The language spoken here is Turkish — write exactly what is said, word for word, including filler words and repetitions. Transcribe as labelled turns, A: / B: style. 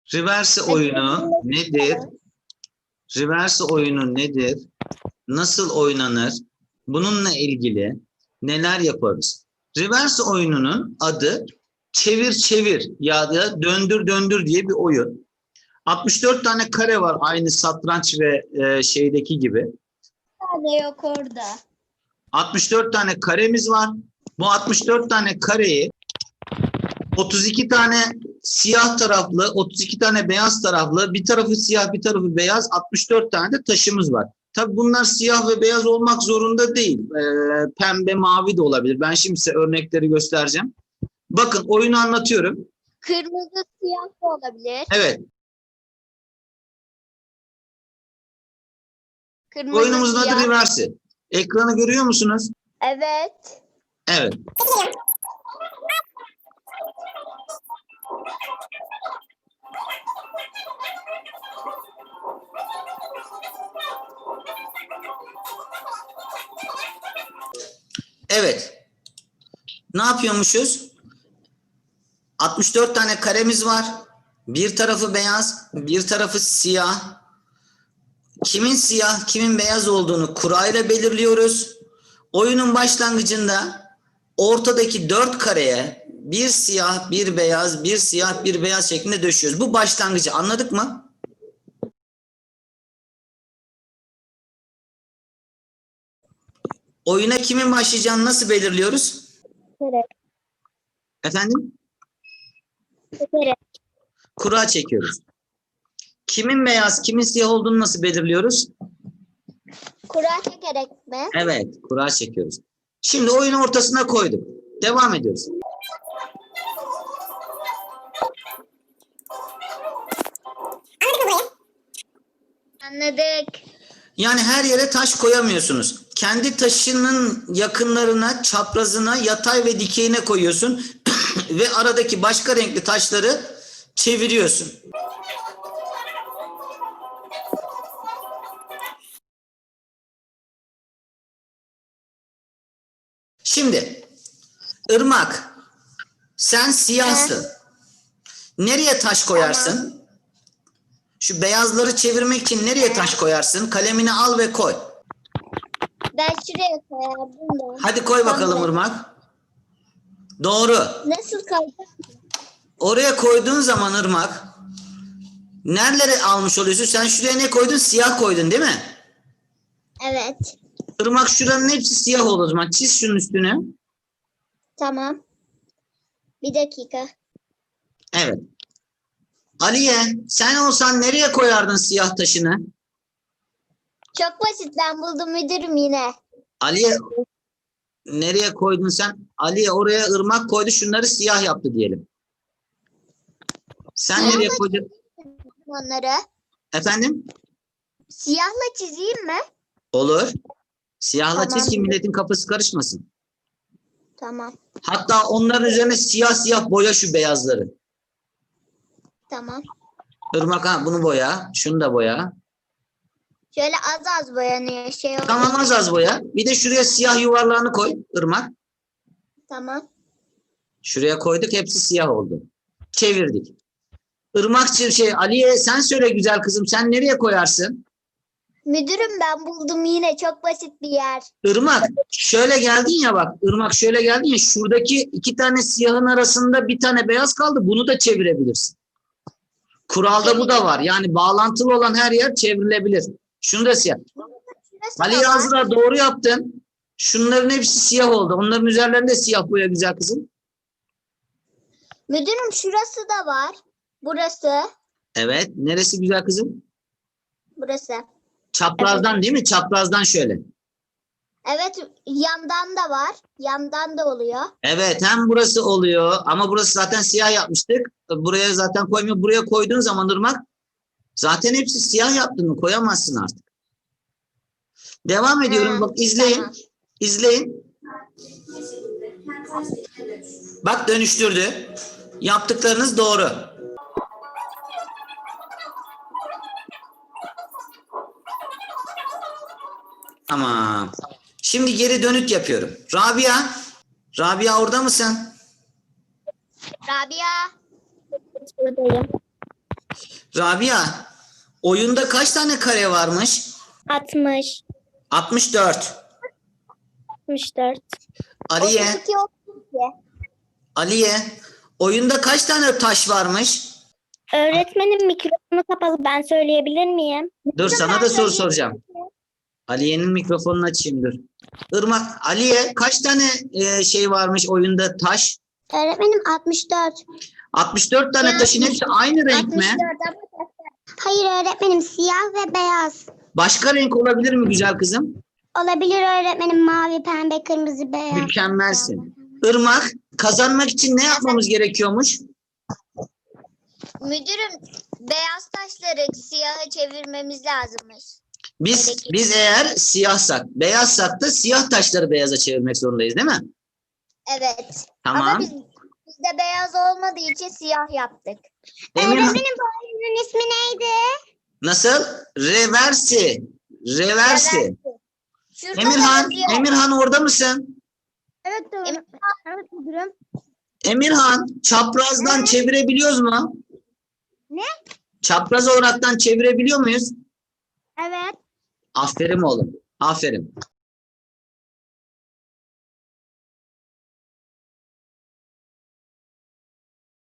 A: Reverse oyunu nedir? Reverse oyunu nedir? Nasıl oynanır? Bununla ilgili neler yaparız? Reverse oyununun adı çevir çevir ya da döndür döndür diye bir oyun. altmış dört tane kare var aynı satranç ve e, şeydeki gibi.
B: Tane yok orada.
A: altmış dört tane karemiz var. Bu altmış dört tane kareyi otuz iki tane siyah taraflı, otuz iki tane beyaz taraflı, bir tarafı siyah, bir tarafı beyaz, altmış dört tane de taşımız var. Tabii bunlar siyah ve beyaz olmak zorunda değil. Ee, pembe, mavi de olabilir. Ben şimdi size örnekleri göstereceğim. Bakın oyunu anlatıyorum.
B: Kırmızı siyah da olabilir.
A: Evet.
B: Kırmızı
A: Oyunumuzun
B: siyah.
A: adı Reverse. Ekranı görüyor musunuz?
B: Evet.
A: Evet. Evet. Ne yapıyormuşuz? altmış dört tane karemiz var. Bir tarafı beyaz, bir tarafı siyah. Kimin siyah, kimin beyaz olduğunu kurayla belirliyoruz. Oyunun başlangıcında ortadaki dört kareye bir siyah, bir beyaz, bir siyah, bir beyaz şeklinde döşüyoruz. Bu başlangıcı anladık mı? Oyuna kimin başlayacağını nasıl belirliyoruz?
B: Evet.
A: Efendim?
B: Evet.
A: Kura çekiyoruz. Kimin beyaz, kimin siyah olduğunu nasıl belirliyoruz?
B: Kura çekerek mi?
A: Evet, kura çekiyoruz. Şimdi oyunu ortasına koyduk. Devam ediyoruz.
B: Anladık.
A: Yani her yere taş koyamıyorsunuz. Kendi taşının yakınlarına, çaprazına, yatay ve dikeyine koyuyorsun ve aradaki başka renkli taşları çeviriyorsun. Şimdi Irmak, sen siyahsın. Nereye taş koyarsın?
B: Tamam.
A: Şu beyazları çevirmek için nereye taş koyarsın? Kalemini al ve koy.
B: Ben şuraya koyardım da.
A: Hadi koy bakalım
B: Tamam.
A: Irmak. Doğru.
B: Nasıl kalacak?
A: Oraya koyduğun zaman Irmak, nerelere almış oluyorsun? Sen şuraya ne koydun? Siyah koydun değil mi?
B: Evet.
A: Irmak şuranın hepsi siyah olur o zaman. Çiz şunun üstüne.
B: Tamam. Bir dakika.
A: Evet. Aliye, sen olsan nereye koyardın siyah taşını?
B: Çok basit, ben buldum müdürüm yine.
A: Aliye, nereye koydun sen? Aliye oraya Irmak koydu, şunları siyah yaptı diyelim. Sen nereye koydun?
B: Onları.
A: Efendim?
B: Siyahla çizeyim mi?
A: Olur. Siyahla
B: Tamam.
A: çiz ki milletin kafası karışmasın.
B: Tamam.
A: Hatta onların üzerine siyah siyah boya şu beyazları.
B: Tamam.
A: Irmak ha bunu boya, şunu da boya.
B: Şöyle az az boyanıyor şey oluyor.
A: Tamam az az boya. Bir de şuraya siyah yuvarlağını koy Irmak.
B: Tamam.
A: Şuraya koyduk hepsi siyah oldu. Çevirdik. Irmakçı şey Aliye sen söyle güzel kızım sen nereye koyarsın?
B: Müdürüm ben buldum yine, çok basit bir yer.
A: Irmak şöyle geldin ya bak Irmak şöyle geldin ya şuradaki iki tane siyahın arasında bir tane beyaz kaldı bunu da çevirebilirsin. Kuralda bu da var yani bağlantılı olan her yer çevrilebilir. Şunu da siyah.
B: Şurası da
A: Aliye
B: var.
A: Azra doğru yaptın. Şunların hepsi siyah oldu. Onların üzerlerinde siyah boya güzel kızım.
B: Müdürüm şurası da var. Burası.
A: Evet. Neresi güzel kızım?
B: Burası.
A: Çaprazdan değil mi? Çaprazdan şöyle.
B: Evet, yandan da var. Yandan da oluyor.
A: Evet. Hem burası oluyor ama burası zaten siyah yapmıştık. Buraya zaten koymuyor. Buraya koyduğun zaman Irmak zaten hepsi siyah yaptın mı? Koyamazsın artık. Devam ediyorum.
B: Ha,
A: Bak izleyin.
B: tamam.
A: İzleyin. Bak dönüştürdü. Yaptıklarınız doğru. Tamam. Şimdi geri dönüt yapıyorum. Rabia. Rabia orada mısın?
B: Rabia. Buradayım.
A: Rabia, oyunda kaç tane kare varmış?
C: altmış.
A: altmış dört.
C: altmış dört.
A: Aliye,
B: otuz iki, otuz iki.
A: Aliye, oyunda kaç tane taş varmış?
C: Öğretmenim mikrofonu kapalı. Ben söyleyebilir miyim?
A: Dur, sana
B: Ben
A: da soru
B: söyleyeyim.
A: soracağım. Aliye'nin mikrofonunu açayım dur. Irmak, Aliye kaç tane e, şey varmış oyunda taş?
B: Öğretmenim altmış dört.
A: altmış dört tane
B: Ya,
A: taşın hepsi aynı renk
B: altmış
A: mi?
B: dört ama hayır öğretmenim, siyah ve beyaz.
A: Başka renk olabilir mi güzel kızım?
B: Olabilir öğretmenim, mavi, pembe, kırmızı, beyaz.
A: Mükemmelsin. Irmak, kazanmak için ne yapmamız gerekiyormuş?
D: Müdürüm, beyaz taşları siyaha çevirmemiz lazımmış.
A: Biz biz eğer siyahsak, beyazsak da siyah taşları beyaza çevirmek zorundayız değil mi?
D: Evet.
A: Tamam.
D: Ama biz, bizde beyaz olmadığı için siyah yaptık.
A: Emir,
B: Öğretmenim bu oyunun ismi neydi?
A: nasıl? Reversi. Reversi.
D: Şurada
A: Emirhan,
D: da yazıyor.
A: Emirhan orada mısın?
B: Evet
D: öğretmenim.
B: Evet müdürüm.
A: Emirhan, çaprazdan çevirebiliyoruz mu?
B: Ne?
A: Çapraz olaraktan çevirebiliyor muyuz?
B: Evet.
A: Aferin oğlum. Aferin.